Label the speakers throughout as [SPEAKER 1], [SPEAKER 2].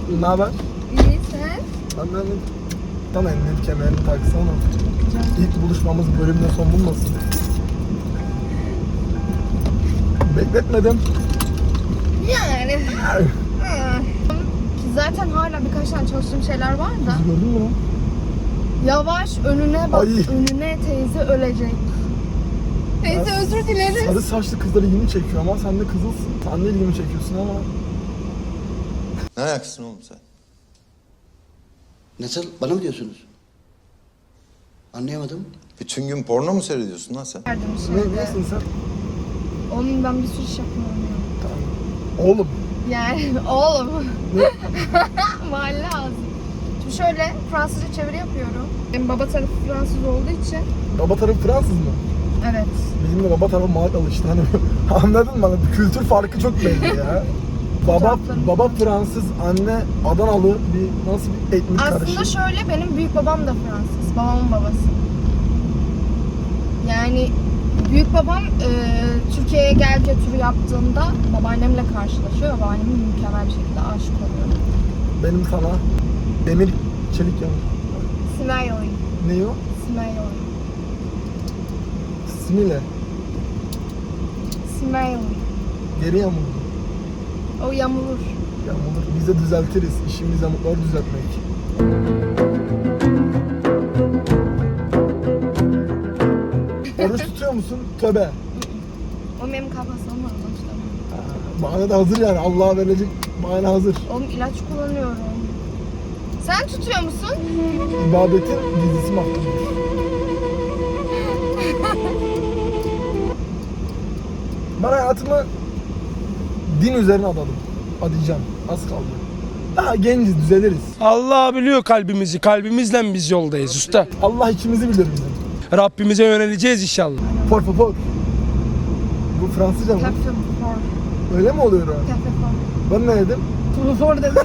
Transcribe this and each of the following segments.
[SPEAKER 1] Ne haber?
[SPEAKER 2] İyi sen?
[SPEAKER 1] Ben de tam emniyet kemerini taksana. İlk buluşmamız bölümde son bulmasın. Bekletmedim.
[SPEAKER 2] Yani. Zaten hala birkaç tane çalıştığım şeyler var da.
[SPEAKER 1] Kızı gördün mü lan?
[SPEAKER 2] Yavaş önüne bak.
[SPEAKER 1] Ay.
[SPEAKER 2] Önüne teyze ölecek. Teyze
[SPEAKER 1] Ya,
[SPEAKER 2] özür dileriz.
[SPEAKER 1] Sarı saçlı kızlar ilgimi çekiyor ama sen de kızılsın. Sen de ilgimi çekiyorsun ama.
[SPEAKER 3] Ne ayaksın oğlum sen?
[SPEAKER 4] Nasıl? Bana mı diyorsunuz? Anlayamadım.
[SPEAKER 3] Bütün gün porno mu seyrediyorsun lan sen?
[SPEAKER 2] Verdim
[SPEAKER 1] Ne,
[SPEAKER 2] şeyde.
[SPEAKER 1] nesin sen?
[SPEAKER 2] Onun ben bir sürü iş yapmıyorum ya.
[SPEAKER 1] Tamam. Oğlum.
[SPEAKER 2] Yani oğlum. Mahalle ağzı. Şimdi şöyle Fransızca çeviri yapıyorum. Benim baba tarafı Fransız olduğu için.
[SPEAKER 1] Baba tarafı Fransız mı?
[SPEAKER 2] Evet.
[SPEAKER 1] Bizim de baba tarafı Malikalı işte hani. Anladın mı? Hani kültür farkı çok belli ya. Baba Fransız, anne Adanalı bir nasıl bir etnik karışım.
[SPEAKER 2] Aslında şöyle benim büyük babam da Fransız. Babamın babası. Yani büyük babam Türkiye'ye gel götürü yaptığında babaannemle karşılaşıyor ve babaannemin mükemmel bir şekilde aşık oluyor.
[SPEAKER 1] Benim sana demir çelik yanı.
[SPEAKER 2] Smiley.
[SPEAKER 1] Ne o?
[SPEAKER 2] Smiley.
[SPEAKER 1] Simile.
[SPEAKER 2] Smiley.
[SPEAKER 1] Geri yamuldu.
[SPEAKER 2] O yamulur.
[SPEAKER 1] Yamulur. Biz de düzeltiriz. İşimiz yamukları düzeltmek. Oruç tutuyor musun? Tövbe.
[SPEAKER 2] O benim kafasım var başta.
[SPEAKER 1] Bahane de hazır yani. Allah'a verilecek bahane hazır.
[SPEAKER 2] Oğlum ilaç kullanıyorum. Sen tutuyor musun?
[SPEAKER 1] İbadetin dizisi mahkumdur. Ben hayatımı din üzerine adadım. Adayacağım. Az kaldı. Daha genciz, düzeliriz.
[SPEAKER 5] Allah biliyor kalbimizi. Kalbimizle biz yoldayız usta.
[SPEAKER 1] Allah içimizi bilir bizim.
[SPEAKER 5] Rabbimize yöneleceğiz inşallah.
[SPEAKER 1] Por favor. Bu Fransızca mı?
[SPEAKER 2] Cafe for.
[SPEAKER 1] Öyle mi oluyor o?
[SPEAKER 2] Cafe for.
[SPEAKER 1] Ben ne dedim?
[SPEAKER 2] For dedim.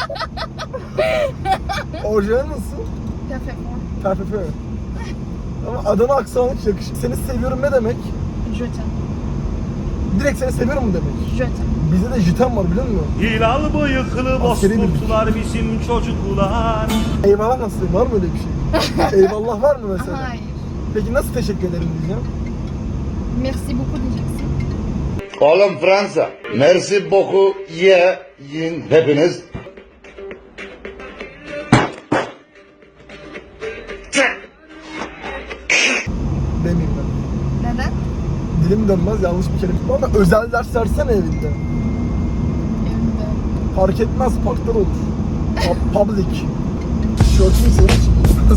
[SPEAKER 1] Orijinal nasıl?
[SPEAKER 2] Cafe for.
[SPEAKER 1] Perfect. Ama Adana aksanı hiç yakışık. Seni seviyorum ne demek?
[SPEAKER 2] Je t'aime.
[SPEAKER 1] Direkt seni seviyorum mu demek?
[SPEAKER 2] Je t'aime.
[SPEAKER 1] Bizde de jitem var biliyor musun?
[SPEAKER 6] Hilal bıyıklı
[SPEAKER 1] Askeri birlik.
[SPEAKER 6] bozkurtlar bizim çocuklar.
[SPEAKER 1] Eyvallah nasıl? Var mı öyle bir şey? Eyvallah var mı mesela?
[SPEAKER 2] Hayır.
[SPEAKER 1] Peki nasıl teşekkür ederim diyeceğim?
[SPEAKER 2] Merci beaucoup diyeceksin.
[SPEAKER 7] Oğlum Fransa, merci beaucoup yiyin hepiniz.
[SPEAKER 1] Demeyeyim ben.
[SPEAKER 2] Neden?
[SPEAKER 1] Dilim dönmez yanlış bir kelime. Ama özel ders versene evinde.
[SPEAKER 2] Evinde.
[SPEAKER 1] Fark etmez parklar olur. Public. Tişörtünü senin için.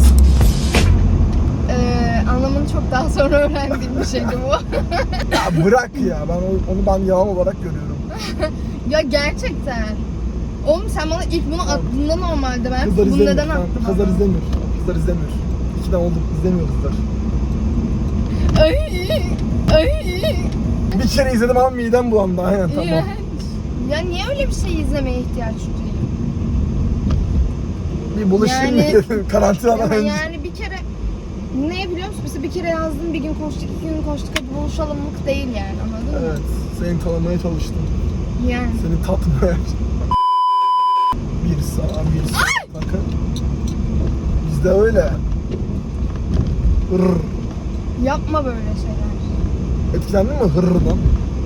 [SPEAKER 2] Anlamını çok daha sonra öğrendiğim bir şeydi bu.
[SPEAKER 1] Ya bırak ya. Onu ben yalan olarak görüyorum.
[SPEAKER 2] Ya gerçekten. Oğlum sen bana ilk bunu attığında normalde ben
[SPEAKER 1] Kızlar
[SPEAKER 2] bunu
[SPEAKER 1] izlemiyor.
[SPEAKER 2] neden
[SPEAKER 1] Tamam,
[SPEAKER 2] attım?
[SPEAKER 1] kızlar izlemiyor. Kızlar izlemiyor. 2'den olduk izlemiyor kızlar.
[SPEAKER 2] Ay.
[SPEAKER 1] Bir kere izledim ama midem bulandı. Aynen tamam.
[SPEAKER 2] İğrenç. Ya niye öyle bir şey izlemeye ihtiyaç duyuyor?
[SPEAKER 1] Bir buluşayım
[SPEAKER 2] Yani-
[SPEAKER 1] mı? Karantinadan
[SPEAKER 2] Ama
[SPEAKER 1] önce.
[SPEAKER 2] yani bir kere ne biliyor musun? Mesela bir kere yazdım, bir gün konuştuk, 2 gün konuştuk, hadi buluşalımlık değil yani, anladın mı?
[SPEAKER 1] Evet. Seni tanımaya çalıştım.
[SPEAKER 2] Yani.
[SPEAKER 1] Seni tatmaya. Bir sağa bir sağa. Bakın. Bizde öyle. Hırr.
[SPEAKER 2] Yapma böyle şeyler.
[SPEAKER 1] Etkilendin mi hırrından?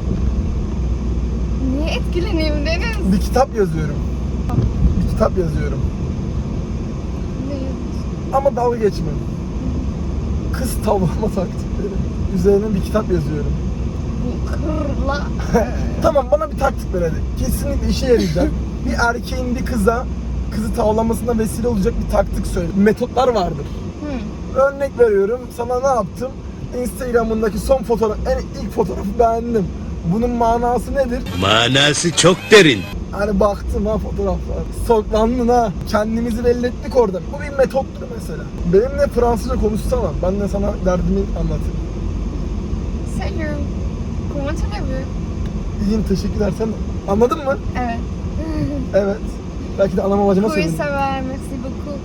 [SPEAKER 2] Niye etkileneyim Deniz?
[SPEAKER 1] Bir kitap yazıyorum. Bir kitap yazıyorum.
[SPEAKER 2] Ne yazıyorsun?
[SPEAKER 1] Ama dalga geçme. Kız tavlama taktikleri. Üzerine bir kitap yazıyorum.
[SPEAKER 2] Bu kırla.
[SPEAKER 1] Tamam bana bir taktik ver hadi. Kesinlikle işe yarayacak. Bir erkeğin bir kızı tavlamasına vesile olacak bir taktik söyle. Metotlar vardır. Örnek veriyorum. Sana ne yaptım? Instagram'ındaki son fotoğraf, ilk fotoğrafı beğendim. Bunun manası nedir?
[SPEAKER 8] Manası çok derin.
[SPEAKER 1] Hani baktım ha fotoğraflar. Soklandın ha. Kendimizi belli ettik orada. Bu bir metottur mesela. Benimle Fransızca konuşsana. Ben de sana derdimi anlatayım.
[SPEAKER 2] Salut. Comment allez-vous?
[SPEAKER 1] İyiyim teşekkürler sen. Anladın mı?
[SPEAKER 2] Evet.
[SPEAKER 1] Evet. Belki de anama bacıma
[SPEAKER 2] Oui,
[SPEAKER 1] söyledim.
[SPEAKER 2] ça va, merci beaucoup.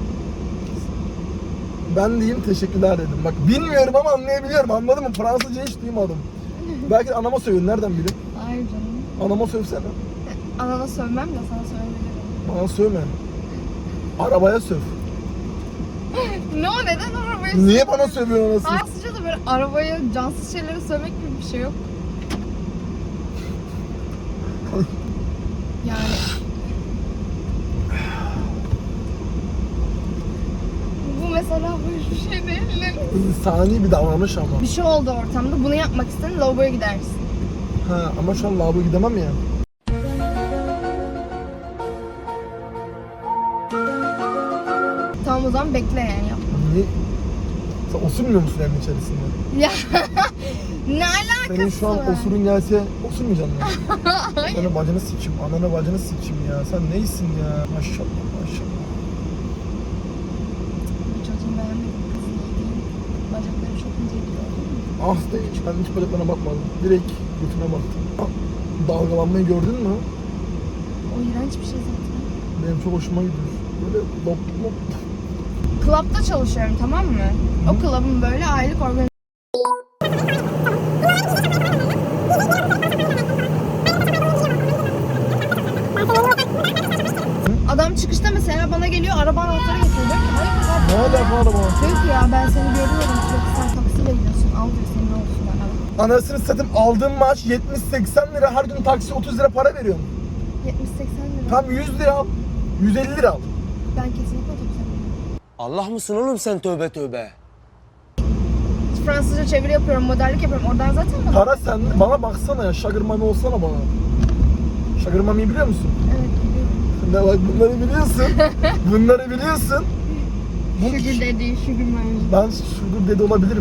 [SPEAKER 1] Ben diyeyim teşekkürler dedim. Bak bilmiyorum ama anlayabiliyorum. Anladın mı? Fransızca hiç duymadım. Belki de anama söylüyorum. Nereden bileyim?
[SPEAKER 2] Hayır canım.
[SPEAKER 1] Anama sövsene.
[SPEAKER 2] Anana sövmem de sana söylerim.
[SPEAKER 1] Bana sövme. Arabaya söv.
[SPEAKER 2] Ne o, neden arabayı
[SPEAKER 1] Niye
[SPEAKER 2] sövüyorsun?
[SPEAKER 1] bana sövüyorsun anasını?
[SPEAKER 2] Ayrıca da böyle arabaya cansız şeyleri sövmek gibi bir şey yok. Yani bu mesela bu hiçbir şey değil.
[SPEAKER 1] İnsani bir davranış ama.
[SPEAKER 2] Bir şey oldu ortamda, bunu yapmak istedin, lavaboya gidersin.
[SPEAKER 1] Ha, ama şu an lavaboya gidemem ya.
[SPEAKER 2] Tamam, o zaman bekle yani yapma.
[SPEAKER 1] Niye? Sen osurmuyor musun evin içerisinde?
[SPEAKER 2] Ya ne alakası
[SPEAKER 1] Senin şu an
[SPEAKER 2] var?
[SPEAKER 1] osurun gelse osurmayacaksın mı? Ananı bacını sikim, ananı bacını sikim ya. Sen neysin ya? Maşallah maşallah.
[SPEAKER 2] Bu çocuğun beğenmedim, kızı iyi değil. Bacakları çok ince gidiyor.
[SPEAKER 1] Ah da hiç, ben hiç bacaklarına bakmadım. Direkt götüne baktım. Ah, dalgalanmayı gördün mü?
[SPEAKER 2] O iğrenç bir şey zaten.
[SPEAKER 1] Benim çok hoşuma gidiyor. Böyle lop lop.
[SPEAKER 2] Club'da çalışıyorum, tamam mı? O club'ın böyle aylık organizasyonu. Adam çıkışta mesela bana geliyor, araba anahtarı getiriyor. Diyor ki hayır
[SPEAKER 1] Ne alaka araba?
[SPEAKER 2] diyor ki ya ben seni görüyorum sürekli, sen taksiyle gidiyorsun, al diyor, senin olsun bana.
[SPEAKER 1] Anasını satayım, aldığım maaş 70-80 lira, her gün taksi 30 lira para veriyorum.
[SPEAKER 2] 70-80 lira.
[SPEAKER 1] Tam 100 lira al, 150 lira al.
[SPEAKER 2] Ben kesinlikle otobüse binmem.
[SPEAKER 4] Allah mısın oğlum sen, tövbe tövbe.
[SPEAKER 2] Fransızca çeviri yapıyorum, modellik yapıyorum. Oradan zaten bana.
[SPEAKER 1] Para sende, bana baksana ya, Sugar Mami olsana bana. Sugar Mami'yi biliyor musun?
[SPEAKER 2] Evet, biliyorum.
[SPEAKER 1] Ne bak, bunları biliyorsun, bunları biliyorsun.
[SPEAKER 2] Sugar daddy, sugar mommy.
[SPEAKER 1] Ben Sugar Daddy olabilirim.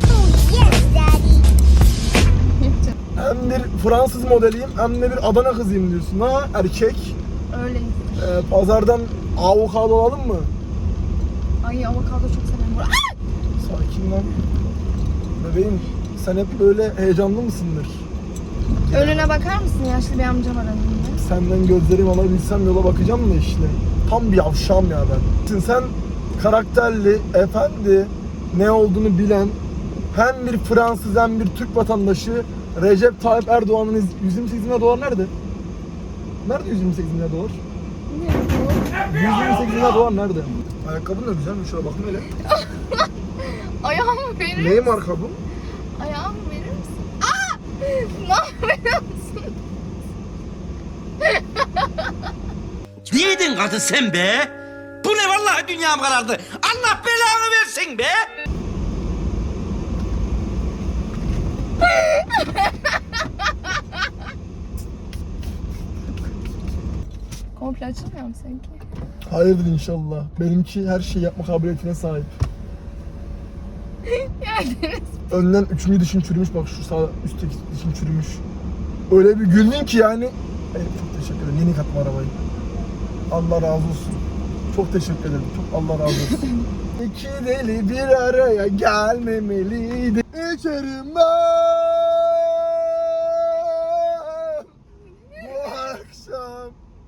[SPEAKER 1] Hem bir Fransız modeliyim, hem de bir Adana kızıyım diyorsun ha, erkek.
[SPEAKER 2] Öyleyiz.
[SPEAKER 1] Pazardan avokado alalım mı?
[SPEAKER 2] Ay avokado çok severim.
[SPEAKER 1] Sakin lan. Bebeğim, sen hep böyle heyecanlı mısındır?
[SPEAKER 2] Önüne bakar mısın? Yaşlı bir amca var önünde.
[SPEAKER 1] Senden gözlerimi alabilsem yola bakacağım da işte. Tam bir yavşağım ya ben. Sen karakterli, efendi, ne olduğunu bilen, hem bir Fransız hem bir Türk vatandaşı Recep Tayyip Erdoğan'ın 128 dolar nerede? Nerede 128 dolar? 128 dolar nerede? Ayakkabın da güzelmiş, şöyle bakın hele.
[SPEAKER 2] Ayağımı verir
[SPEAKER 1] Neyi marka bu?
[SPEAKER 2] Ayağımı verir misin? Aa! Ne yapıyorsun?
[SPEAKER 8] Niyeydin kadın sen be? Bu ne, vallahi dünyam karardı. Allah belanı versin be.
[SPEAKER 2] Komple açılmıyor mu seninki?
[SPEAKER 1] Hayırdır inşallah. Benimki her şeyi yapma kabiliyetine sahip.
[SPEAKER 2] Geldiniz.
[SPEAKER 1] Önden üçüncü dişin çürümüş, bak şu sağ üstteki dişin çürümüş. Öyle bir güldün ki yani. Evet, çok teşekkür ederim. Yeni katma arabayı. Allah razı olsun. Çok teşekkür ederim. Çok Allah razı olsun. İki deli bir araya gelmemeliydi. İçerim ben bu akşam.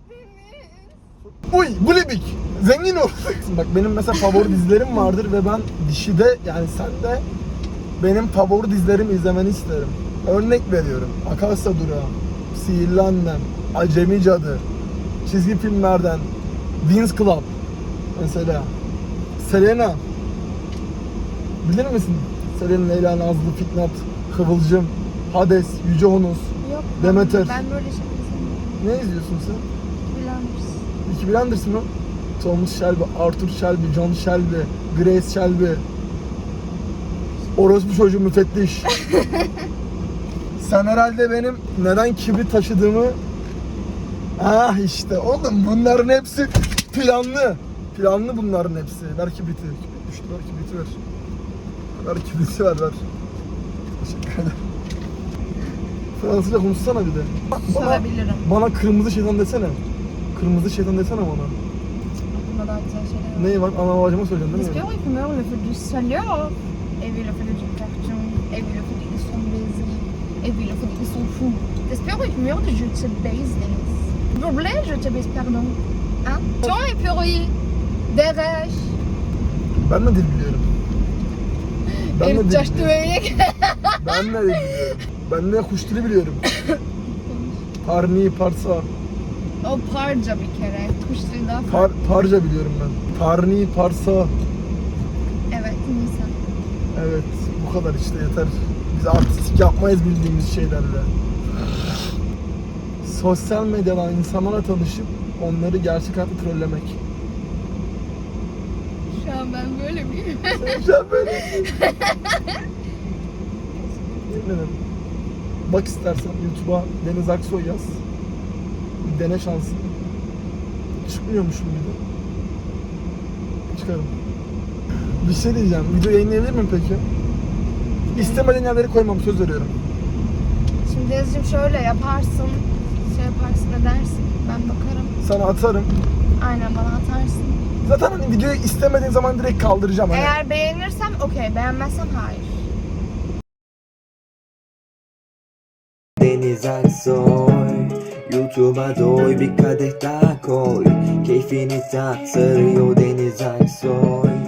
[SPEAKER 1] Uy, Gulebik. Zengin ol. Bak benim mesela favori dizilerim vardır ve ben dişide, yani sen de benim favori dizilerimi izlemeni isterim. Örnek veriyorum. Akasya Durağı, Sihirli Annem, Acemi Cadı, çizgi filmlerden Vince Club mesela. Selena. Bilir misin? Selena, Leyla, Nazlı, Fitnat, Kıvılcım, Hades, Yüce Honos,
[SPEAKER 2] Yok.
[SPEAKER 1] Demeter.
[SPEAKER 2] Ben böyle şey izlemiyorum.
[SPEAKER 1] Ne izliyorsun sen?
[SPEAKER 2] Bilmiyorum.
[SPEAKER 1] Peaky Blinders mı? Thomas Shelby, Arthur Shelby, John Shelby, Grace Shelby. Orospu çocuğu müfettiş. Sen herhalde benim neden kibrit taşıdığımı... Ah işte oğlum, bunların hepsi planlı. Planlı bunların hepsi. Ver kibriti. Kibrit düştü, ver kibriti ver. Ver kibriti ver. Teşekkür ederim. Fransızca konuşsana bir de.
[SPEAKER 2] Sorabilirim.
[SPEAKER 1] Bana kırmızı şeytan desene. Kırmızı şeytan desene bana.
[SPEAKER 2] Aklımda daha güzel şeyler var.
[SPEAKER 1] Neyi var? Ana babacıma söyleyeceksin değil mi?
[SPEAKER 2] J'espère qu'il meurt le fait du salaire. Et puis le fait du carton. Et puis le fait qu'ils sont baisés. Et puis le fait qu'ils sont fous. J'espère qu'il meurt de je te baise, Denis. S'il vous plaît, je te baise, pardon. Hein? Ton et puis Dereş.
[SPEAKER 1] Ben de dil biliyorum. Ben de
[SPEAKER 2] Herif
[SPEAKER 1] dil
[SPEAKER 2] caştı
[SPEAKER 1] biliyorum.
[SPEAKER 2] böyle.
[SPEAKER 1] Ben de dil biliyorum. Ben de kuş dili biliyorum. Parni, parsa.
[SPEAKER 2] O parça bir kere. Kuşları daha farklı.
[SPEAKER 1] Parca biliyorum ben. Parni, Parsa.
[SPEAKER 2] Evet, Nisan.
[SPEAKER 1] Evet, bu kadar işte yeter. Biz artistik yapmayız bildiğimiz şeylerle. Sosyal medyadan insanlarla tanışıp onları gerçek hayatta trollemek.
[SPEAKER 2] Şu an ben böyle miyim?
[SPEAKER 1] Sen böyle. Bilmiyorum. Bak istersen YouTube'a Deniz Aksoy yaz. Bir dene şansını. Çıkmıyormuşum bir de. Çıkarım. Bir şey diyeceğim. Video yayınlayabilir miyim peki? İstemediğin yerleri koymam, söz veriyorum.
[SPEAKER 2] Şimdi Deniz'cim şöyle yaparsın. Şey yaparsın, ne dersin? Ben bakarım.
[SPEAKER 1] Sana atarım.
[SPEAKER 2] Aynen, bana atarsın.
[SPEAKER 1] Zaten hani videoyu istemediğin zaman direkt kaldıracağım. Hani.
[SPEAKER 2] Eğer beğenirsem okey, beğenmezsem hayır.
[SPEAKER 9] Deniz Aksoy, YouTube'a doy, bir kadeh daha koy. Keyfini tat, sarıyor Deniz Aksoy.